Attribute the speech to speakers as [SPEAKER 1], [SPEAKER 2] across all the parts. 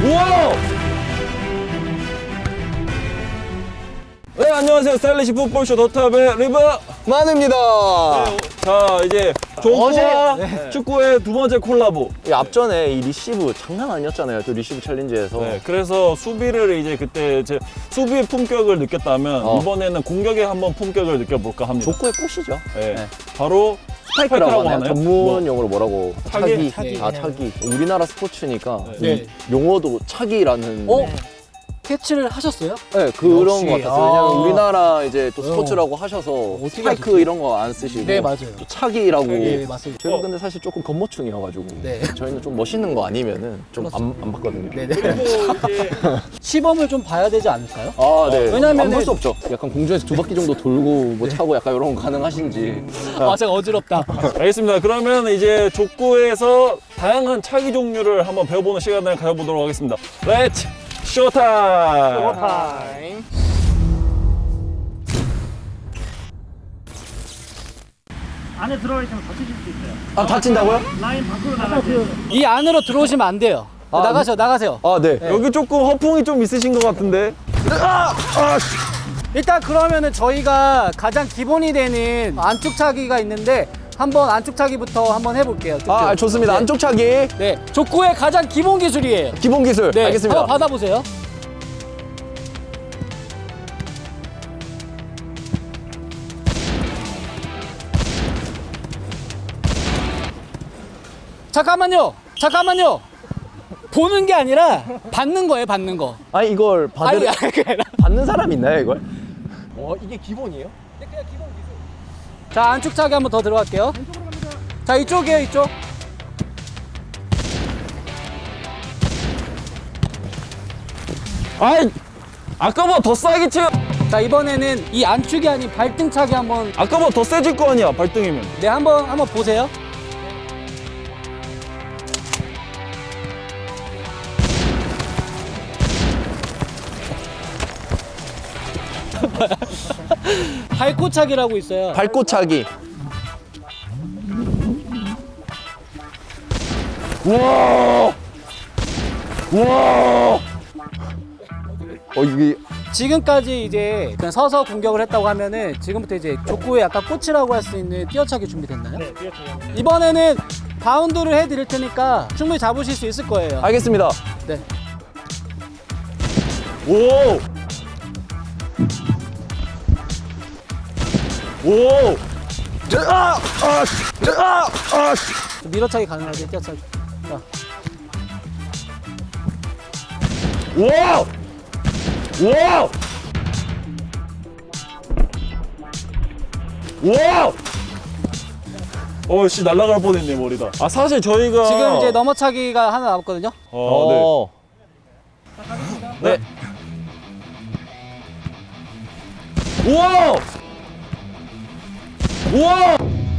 [SPEAKER 1] 우와! 네, 안녕하세요. 스타일리시 풋볼쇼 더탑의 리브
[SPEAKER 2] 만입니다.
[SPEAKER 1] 자, 이제 족구와 축구의 두 번째 콜라보.
[SPEAKER 2] 앞전에 이 리시브 장난 아니었잖아요. 또 리시브 챌린지에서.
[SPEAKER 1] 네, 그래서 수비를 이제 그때 제 수비의 품격을 느꼈다면 이번에는 공격의 한번 품격을 느껴볼까 합니다.
[SPEAKER 2] 족구의 꽃이죠.
[SPEAKER 1] 네.
[SPEAKER 2] 네.
[SPEAKER 1] 바로
[SPEAKER 2] 스파이크라고 하나요?
[SPEAKER 1] 하나요?
[SPEAKER 2] 전문 용어로 뭐라고?
[SPEAKER 1] 차기?
[SPEAKER 2] 차기. 우리나라 스포츠니까
[SPEAKER 1] 네.
[SPEAKER 2] 이 용어도 차기라는.
[SPEAKER 3] 캐치를 하셨어요?
[SPEAKER 2] 네, 그런
[SPEAKER 3] 역시.
[SPEAKER 2] 것 같았어요. 왜냐면 우리나라 이제 또 스포츠라고 하셔서
[SPEAKER 3] 어떻게
[SPEAKER 2] 스파이크
[SPEAKER 3] 하셨지?
[SPEAKER 2] 이런 거 안 쓰시고.
[SPEAKER 3] 네, 맞아요.
[SPEAKER 2] 또 차기라고.
[SPEAKER 3] 네, 맞습니다.
[SPEAKER 2] 제가 근데 사실 조금 겉모충이어가지고
[SPEAKER 3] 네.
[SPEAKER 2] 저희는 좀 멋있는 거 아니면은 좀 안 봤거든요.
[SPEAKER 3] 네네.
[SPEAKER 1] 그리고 이제
[SPEAKER 3] 시범을 좀 봐야 되지 않을까요?
[SPEAKER 2] 아, 네.
[SPEAKER 3] 왜냐면은-
[SPEAKER 2] 안 볼 수 없죠. 약간 공중에서 2바퀴 정도 돌고 뭐 차고 약간 이런 거 가능하신지.
[SPEAKER 3] 아, 제가 어지럽다.
[SPEAKER 1] 알겠습니다. 그러면 이제 족구에서 다양한 차기 종류를 한번 배워보는 시간을 가져보도록 하겠습니다. 렛츠 쇼타임!
[SPEAKER 4] 안에 들어가 있으면 다치실 수 있어요.
[SPEAKER 2] 아, 다친다고요?
[SPEAKER 4] 라인 밖으로 나가세요.
[SPEAKER 3] 이 안으로 들어오시면 안 돼요.
[SPEAKER 2] 아,
[SPEAKER 3] 나가세요.
[SPEAKER 2] 아, 네.
[SPEAKER 1] 여기 조금 허풍이 좀 있으신 것 같은데.
[SPEAKER 3] 일단 그러면은 저희가 가장 기본이 되는 안축차기가 있는데 한번 안축차기부터 한번 해볼게요. 쭉쭉.
[SPEAKER 2] 아, 좋습니다.
[SPEAKER 3] 네.
[SPEAKER 2] 안쪽 차기.
[SPEAKER 3] 네, 족구의 가장 기본 기술이에요.
[SPEAKER 2] 기본 기술.
[SPEAKER 3] 네,
[SPEAKER 2] 알겠습니다.
[SPEAKER 3] 한번 받아보세요. 잠깐만요. 보는 게 아니라 받는 거예요, 받는 거.
[SPEAKER 2] 아니, 이걸
[SPEAKER 3] 아니, 그게 아니라.
[SPEAKER 2] 받는 사람 있나요, 이걸?
[SPEAKER 3] 이게 기본이에요? 자, 안축차기 한번 더 들어갈게요. 자, 이쪽이에요, 이쪽.
[SPEAKER 1] 아이, 아까보다 더 싸게 치.
[SPEAKER 3] 자, 이번에는 이 안축이 아닌 발등차기 한번,
[SPEAKER 1] 아까보다 더 세질 거 아니야, 발등이면.
[SPEAKER 3] 네, 한번 보세요. 발코차기라고 있어요.
[SPEAKER 2] 밟고 차기.
[SPEAKER 1] 우와! 우와!
[SPEAKER 2] 이게.
[SPEAKER 3] 지금까지 이제 그냥 서서 공격을 했다고 하면은 지금부터 이제 족구의 약간 꽃이라고 할 수 있는 뛰어차기 준비됐나요?
[SPEAKER 4] 네, 뛰어쳐요.
[SPEAKER 3] 이번에는 바운드를 해드릴 테니까 충분히 잡으실 수 있을 거예요.
[SPEAKER 2] 알겠습니다.
[SPEAKER 3] 네.
[SPEAKER 1] 오! 오!
[SPEAKER 3] 밀어차기 가능하게 뛰어차기. 자,
[SPEAKER 1] 우와! 우와! 우와! 씨, 날아갈 뻔했네, 머리다. 아, 사실 저희가.
[SPEAKER 3] 지금 이제 넘어차기가 하나 남았거든요.
[SPEAKER 1] 네. 우와! 우와!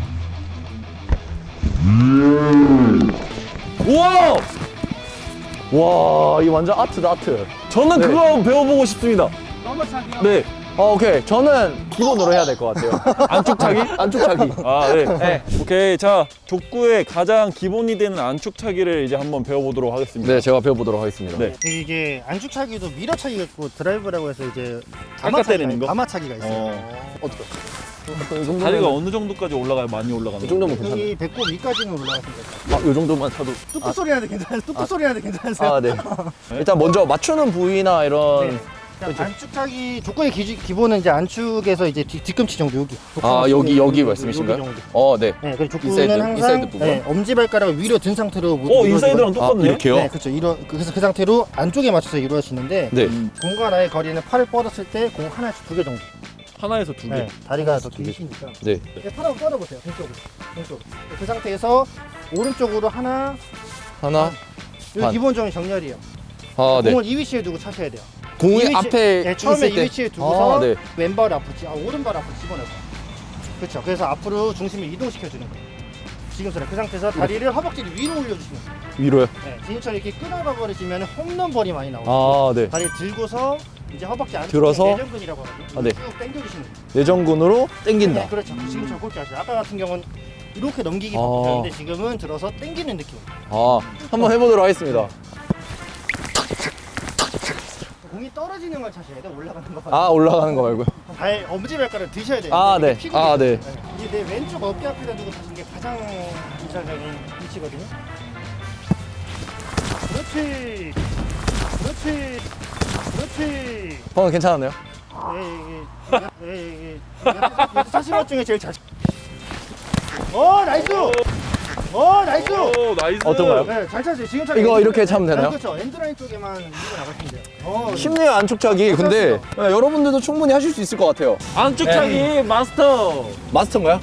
[SPEAKER 1] 우와!
[SPEAKER 2] 와, 이 완전 아트다, 아트.
[SPEAKER 1] 저는
[SPEAKER 2] 네.
[SPEAKER 1] 그거 한번 배워보고 싶습니다.
[SPEAKER 4] 넘어차기요?
[SPEAKER 1] 네.
[SPEAKER 2] 오케이. 저는 기본으로 해야 될 것 같아요.
[SPEAKER 1] 안축 차기?
[SPEAKER 2] 안쪽 차기.
[SPEAKER 1] 아, 네.
[SPEAKER 2] 네.
[SPEAKER 1] 오케이. 자, 족구의 가장 기본이 되는 안축 차기를 이제 한번 배워보도록 하겠습니다.
[SPEAKER 2] 네, 제가 배워보도록 하겠습니다.
[SPEAKER 1] 네.
[SPEAKER 4] 이게 안축차기도 밀어차기가 있고 드라이브라고 해서 이제
[SPEAKER 1] 때리는 거?
[SPEAKER 4] 가마차기가 있어요.
[SPEAKER 2] 이 정도면,
[SPEAKER 1] 다리가 어느 정도까지 올라가요? 많이 올라가는
[SPEAKER 2] 이 정도면 괜찮아요.
[SPEAKER 4] 여기 배꼽 위까지는 올라갔습니다.
[SPEAKER 2] 이 정도만 차도.
[SPEAKER 4] 뚝뚝 소리 나는데 괜찮아요? 뚝뚝 소리 나는데 괜찮으세요?
[SPEAKER 2] 아, 네. 일단 먼저 맞추는 부위나 이런.
[SPEAKER 4] 네. 자, 안축차기 족구의 기본은 이제 안축에서 이제 뒤꿈치 정도 여기.
[SPEAKER 2] 여기 말씀이신가요?
[SPEAKER 4] 여기 정도.
[SPEAKER 2] 네.
[SPEAKER 4] 네, 그리고 족구는
[SPEAKER 2] 인사이드,
[SPEAKER 4] 항상
[SPEAKER 2] 인사이드 부분?
[SPEAKER 4] 네, 엄지발가락을 위로 든 상태로 무릎을
[SPEAKER 1] 인사이드랑
[SPEAKER 4] 이루어지고-
[SPEAKER 1] 똑같네.
[SPEAKER 2] 이렇게요?
[SPEAKER 4] 네, 그렇죠. 그래서 그 상태로 안쪽에 맞춰서 이루어지는데
[SPEAKER 2] 네.
[SPEAKER 4] 공과 나의 거리는 팔을 뻗었을 때 공 하나에서 2개 정도.
[SPEAKER 1] 하나에서 두 개.
[SPEAKER 4] 네, 다리가 더 길으시니까.
[SPEAKER 2] 네.
[SPEAKER 4] 이렇게 팔 한번 뻗어보세요. 왼쪽. 그 상태에서 오른쪽으로 하나.
[SPEAKER 2] 하나.
[SPEAKER 4] 이거
[SPEAKER 2] 반.
[SPEAKER 4] 기본적인 정렬이에요.
[SPEAKER 2] 네.
[SPEAKER 4] 공을 이 위치에 두고 차셔야 돼요.
[SPEAKER 2] 공이
[SPEAKER 4] 이 위치-
[SPEAKER 2] 앞에
[SPEAKER 4] 네, 처음에
[SPEAKER 2] 있을
[SPEAKER 4] 이
[SPEAKER 2] 때.
[SPEAKER 4] 위치에 두고서
[SPEAKER 2] 네.
[SPEAKER 4] 왼발 앞으로, 오른발 앞으로 집어넣고. 그렇죠. 그래서 앞으로 중심을 이동시켜주는 거예요. 지금처럼 그 상태에서 다리를 허벅지를 위로 올려주시면 돼요.
[SPEAKER 2] 위로요?
[SPEAKER 4] 네, 지금처럼 이렇게 끊어가 버리시면 홈런볼이 많이 나오고
[SPEAKER 2] 네.
[SPEAKER 4] 다리 들고서 이제 허벅지 안쪽에
[SPEAKER 2] 들어서?
[SPEAKER 4] 내전근이라고 하거든요.
[SPEAKER 2] 네.
[SPEAKER 4] 쭉 당겨주시는 거예요.
[SPEAKER 2] 내전근으로 당긴다.
[SPEAKER 4] 네, 그렇죠. 지금처럼 그렇게 하시죠. 아까 같은 경우는 이렇게 넘기기
[SPEAKER 2] 아.
[SPEAKER 4] 바쁘셨는데 지금은 들어서 당기는 느낌.
[SPEAKER 2] 한번 해보도록 하겠습니다.
[SPEAKER 4] 공이 떨어지는 걸 차셔야 돼. 올라가는 거.
[SPEAKER 2] 아, 올라가는 거 말고요.
[SPEAKER 4] 엄지발가락 드셔야 돼요.
[SPEAKER 2] 아,
[SPEAKER 4] 이게
[SPEAKER 2] 네.
[SPEAKER 4] 피고
[SPEAKER 2] 아,
[SPEAKER 4] 있어요.
[SPEAKER 2] 네.
[SPEAKER 4] 이게 내 왼쪽 어깨 앞에다 두고 치는 게 가장 이상적인 위치거든요. 그렇지. 그렇지. 그렇지.
[SPEAKER 2] 방금 괜찮았나요?
[SPEAKER 4] 여태 차신 것 중에 제일 잘. 나이스. 나이스.
[SPEAKER 1] 오, 나이스.
[SPEAKER 2] 어떤가요?
[SPEAKER 4] 네, 잘 찼어요. 지금
[SPEAKER 2] 이거 이렇게 차면 되나요?
[SPEAKER 4] 그렇죠. 엔드라인 쪽에만 밀고 나가시면 돼요.
[SPEAKER 2] 쉽네요, 안쪽차기. 근데 네, 여러분들도 충분히 하실 수 있을 것 같아요.
[SPEAKER 1] 안쪽차기 마스터.
[SPEAKER 2] 마스터인가요?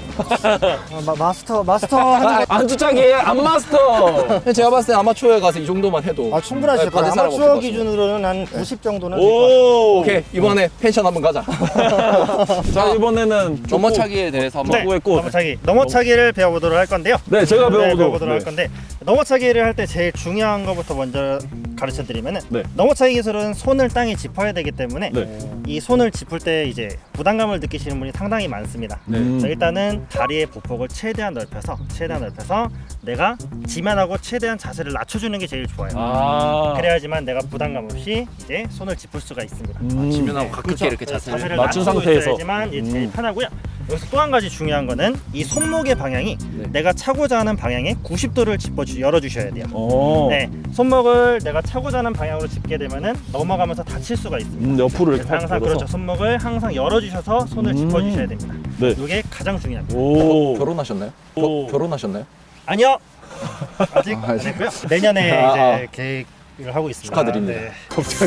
[SPEAKER 4] 마스터 하는
[SPEAKER 1] 안쪽차기 안 마스터.
[SPEAKER 2] 제가 봤을 때 아마추어에 가서 이 정도만 해도
[SPEAKER 4] 충분하실
[SPEAKER 2] 네,
[SPEAKER 4] 거예요.
[SPEAKER 2] 받을 사람 없을 것
[SPEAKER 4] 아마추어
[SPEAKER 2] 같습니다.
[SPEAKER 4] 기준으로는 한 90 정도는 될 것 같아요.
[SPEAKER 1] 오.
[SPEAKER 2] 오케이, 이번에 펜션 한번 가자.
[SPEAKER 1] 자, 이번에는
[SPEAKER 2] 넘어차기에 대해서 한번
[SPEAKER 1] 족구 했고.
[SPEAKER 4] 넘어차기를 배워보도록 할 건데요.
[SPEAKER 1] 네, 제가
[SPEAKER 4] 배워보도록
[SPEAKER 1] 배워보도록
[SPEAKER 4] 할 건데 넘어차기를 할 때 제일 중요한 것부터 먼저 가르쳐 드리면은
[SPEAKER 1] 네.
[SPEAKER 4] 넘어차기 기술은 손을 땅에 짚어야 되기 때문에
[SPEAKER 1] 네.
[SPEAKER 4] 이 손을 짚을 때 이제 부담감을 느끼시는 분이 상당히 많습니다.
[SPEAKER 1] 네.
[SPEAKER 4] 자, 일단은 다리의 보폭을 최대한 넓혀서 내가 지면하고 최대한 자세를 낮춰주는 게 제일 좋아요.
[SPEAKER 1] 아.
[SPEAKER 4] 그래야지만 내가 부담감 없이 이제 손을 짚을 수가 있습니다.
[SPEAKER 2] 지면하고 가깝게
[SPEAKER 4] 그렇죠.
[SPEAKER 2] 이렇게 자세를
[SPEAKER 1] 낮춘
[SPEAKER 4] 낮추고
[SPEAKER 1] 상태에서.
[SPEAKER 4] 있어야지만 이제 제일 편하고요. 여기서 또 한 가지 중요한 거는 이 손목의 방향이
[SPEAKER 2] 네.
[SPEAKER 4] 내가 차고자 하는 방향에 90도를 열어주셔야 돼요.
[SPEAKER 1] 오.
[SPEAKER 4] 네, 손목을 내가 차고자 하는 방향으로 짚게 되면은 넘어가면서 다칠 수가 있습니다.
[SPEAKER 1] 옆으로 이렇게
[SPEAKER 4] 그래서 항상
[SPEAKER 1] 들어서.
[SPEAKER 4] 그렇죠. 손목을 항상 열어주셔서 손을 짚어주셔야 됩니다.
[SPEAKER 1] 네.
[SPEAKER 4] 이게 가장 중요합니다.
[SPEAKER 1] 오.
[SPEAKER 2] 결혼하셨나요?
[SPEAKER 1] 오.
[SPEAKER 2] 결혼하셨나요?
[SPEAKER 4] 아니요. 아직
[SPEAKER 2] 아,
[SPEAKER 4] 안 했고요. 내년에
[SPEAKER 2] 아,
[SPEAKER 4] 이제 계획을 하고 있습니다.
[SPEAKER 2] 축하드립니다.
[SPEAKER 4] 네.
[SPEAKER 1] 갑자기.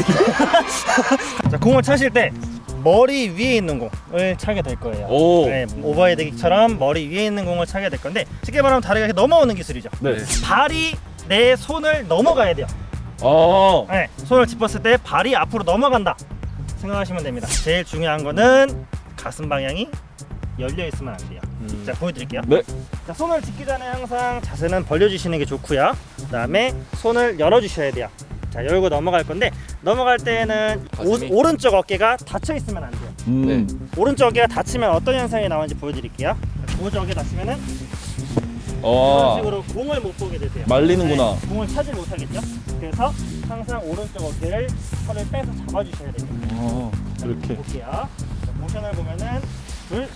[SPEAKER 4] 자, 공을 차실 때 머리 위에 있는 공을 차게 될 거예요.
[SPEAKER 1] 오.
[SPEAKER 4] 네, 오버헤드킥처럼 머리 위에 있는 공을 차게 될 건데 쉽게 말하면 다리가 이렇게 넘어오는 기술이죠.
[SPEAKER 1] 네.
[SPEAKER 4] 발이 내 손을 넘어가야 돼요.
[SPEAKER 1] 아.
[SPEAKER 4] 네, 손을 짚었을 때 발이 앞으로 넘어간다 생각하시면 됩니다. 제일 중요한 거는 가슴 방향이 열려 있으면 안 돼요. 자, 보여드릴게요.
[SPEAKER 1] 네.
[SPEAKER 4] 자, 손을 짚기 전에 항상 자세는 벌려주시는 게 좋고요. 그다음에 손을 열어주셔야 돼요. 자, 열고 넘어갈 건데 넘어갈 때는
[SPEAKER 2] 가슴이?
[SPEAKER 4] 오른쪽 어깨가 닫혀 있으면 안 돼요.
[SPEAKER 1] 네.
[SPEAKER 4] 오른쪽 어깨가 닫히면 어떤 현상이 나오는지 보여드릴게요. 오른쪽 어깨 닫히면은 이런
[SPEAKER 1] 아.
[SPEAKER 4] 식으로 공을 못 보게 되세요.
[SPEAKER 1] 말리는구나.
[SPEAKER 4] 네, 공을 차지 못하겠죠. 그래서 항상 오른쪽 어깨를 털을 빼서 잡아주셔야 됩니다.
[SPEAKER 1] 아. 이렇게.
[SPEAKER 4] 볼게요. 자, 모션을 보면은 둘,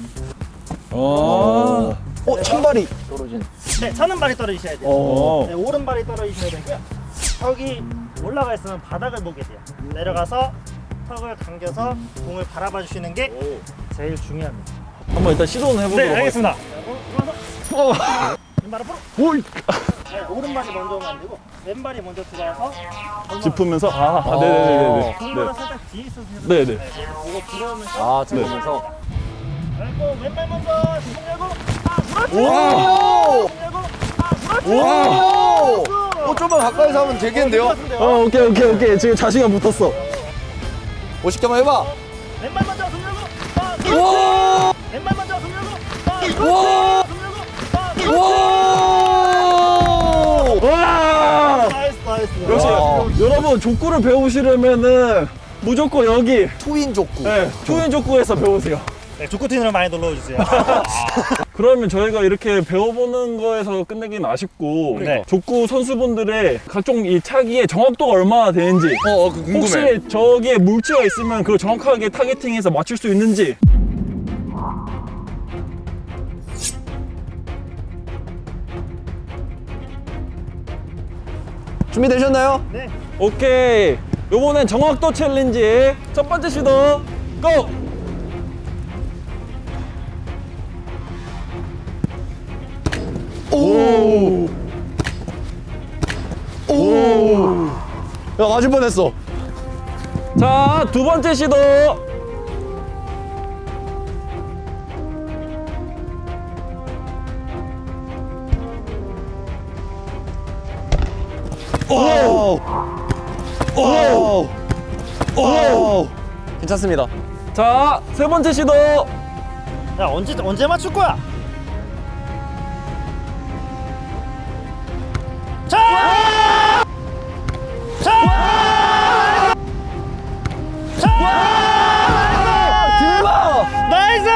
[SPEAKER 1] 아.
[SPEAKER 2] 찬발이 떨어진.
[SPEAKER 4] 네, 차는 발이 떨어지셔야 돼요.
[SPEAKER 1] 어.
[SPEAKER 4] 네, 오른발이 떨어지셔야 되고요. 턱이 올라가 있으면 바닥을 보게 돼요. 내려가서 턱을 당겨서 공을 바라봐 주시는 게 제일 중요합니다.
[SPEAKER 1] 한번 일단 시도는 해보도록
[SPEAKER 4] 네, 알겠습니다.
[SPEAKER 1] 어.
[SPEAKER 4] 왼발 앞으로.
[SPEAKER 1] 오이.
[SPEAKER 4] 네, 오른발이 먼저 오면 안 되고 왼발이 먼저 들어와서
[SPEAKER 1] 짚으면서 네네네네.
[SPEAKER 4] 공보다 살짝 뒤에 있어서 해도
[SPEAKER 1] 네네.
[SPEAKER 4] 돼요. 네, 이거 들어오면서
[SPEAKER 2] 아, 들어오면서.
[SPEAKER 4] 그리고 왼발 먼저 뒷공 열고 그렇지!
[SPEAKER 2] 오!
[SPEAKER 4] 뒷공 열고 그렇지!
[SPEAKER 2] 오! 좀만 가까이서 하면 되겠는데요?
[SPEAKER 1] 오케이. 지금 자신감 붙었어.
[SPEAKER 2] 50개 한번 해봐.
[SPEAKER 4] 왼발 먼저 손 열고 그렇지! 왼발 먼저 손 열고 그렇지! 손 열고
[SPEAKER 1] 와!
[SPEAKER 4] 나이스.
[SPEAKER 1] 역시
[SPEAKER 2] 와.
[SPEAKER 1] 여러분 족구를 배우시려면은 무조건 여기
[SPEAKER 2] 투인 족구.
[SPEAKER 1] 투인 족구에서 배우세요.
[SPEAKER 4] 네, 족구팀으로 많이 놀러 주세요.
[SPEAKER 1] 그러면 저희가 이렇게 배워보는 거에서 끝내기는 아쉽고
[SPEAKER 4] 네.
[SPEAKER 1] 족구 선수분들의 각종 이 차기의 정확도가 얼마나 되는지
[SPEAKER 2] 궁금해.
[SPEAKER 1] 혹시 저기에 물체가 있으면 그걸 정확하게 타겟팅해서 맞출 수 있는지
[SPEAKER 2] 준비되셨나요?
[SPEAKER 4] 네.
[SPEAKER 1] 오케이 요번엔 정확도 챌린지 첫 번째 시도 고!
[SPEAKER 2] 오! 오! 야, 맞을 뻔했어.
[SPEAKER 1] 자, 두 번째 시도.
[SPEAKER 2] 오! 오! 오! 괜찮습니다.
[SPEAKER 1] 자, 세 번째 시도.
[SPEAKER 4] 야, 언제 맞출 거야? 자!
[SPEAKER 2] 대박!
[SPEAKER 4] 나이스!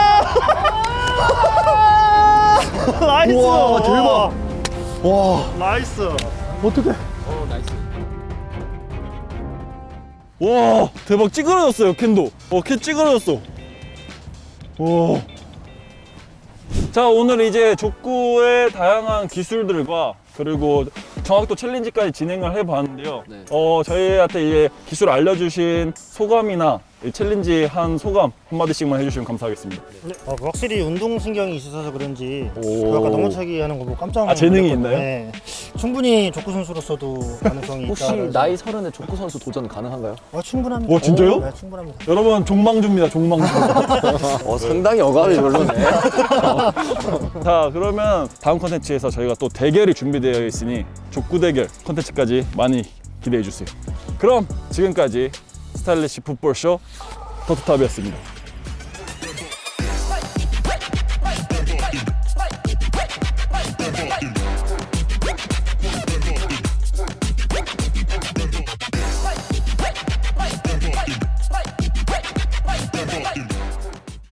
[SPEAKER 4] 나이스!
[SPEAKER 2] 우와, 대박! 와,
[SPEAKER 4] 나이스!
[SPEAKER 2] 어떡해.
[SPEAKER 1] 와 대박 찌그러졌어요 캔도. 캔 찌그러졌어. 와. 자 오늘 이제 족구의 다양한 기술들과 그리고 정확도 챌린지까지 진행을 해봤는데요.
[SPEAKER 2] 네.
[SPEAKER 1] 저희한테 이제 기술 알려주신 소감이나 이 챌린지 한 소감 한마디씩만 해주시면 감사하겠습니다.
[SPEAKER 4] 네, 확실히 운동신경이 있으셔서 그런지
[SPEAKER 1] 오.
[SPEAKER 4] 아까 넘어차기 하는 거 보고 깜짝 놀랐거든요.
[SPEAKER 1] 재능이 있나요?
[SPEAKER 4] 네. 충분히 족구 선수로서도 가능성이 있다.
[SPEAKER 2] 혹시 나이 30에 족구 선수 도전 가능한가요?
[SPEAKER 4] 충분합니다.
[SPEAKER 1] 와, 진짜요?
[SPEAKER 4] 네, 충분합니다.
[SPEAKER 1] 여러분 종망주입니다 종망주.
[SPEAKER 2] 상당히 어감이 별로네.
[SPEAKER 1] 자 그러면 다음 컨텐츠에서 저희가 또 대결이 준비되어 있으니 족구 대결 컨텐츠까지 많이 기대해 주세요. 그럼 지금까지 스타일리시 풋볼쇼 더트탑이었습니다.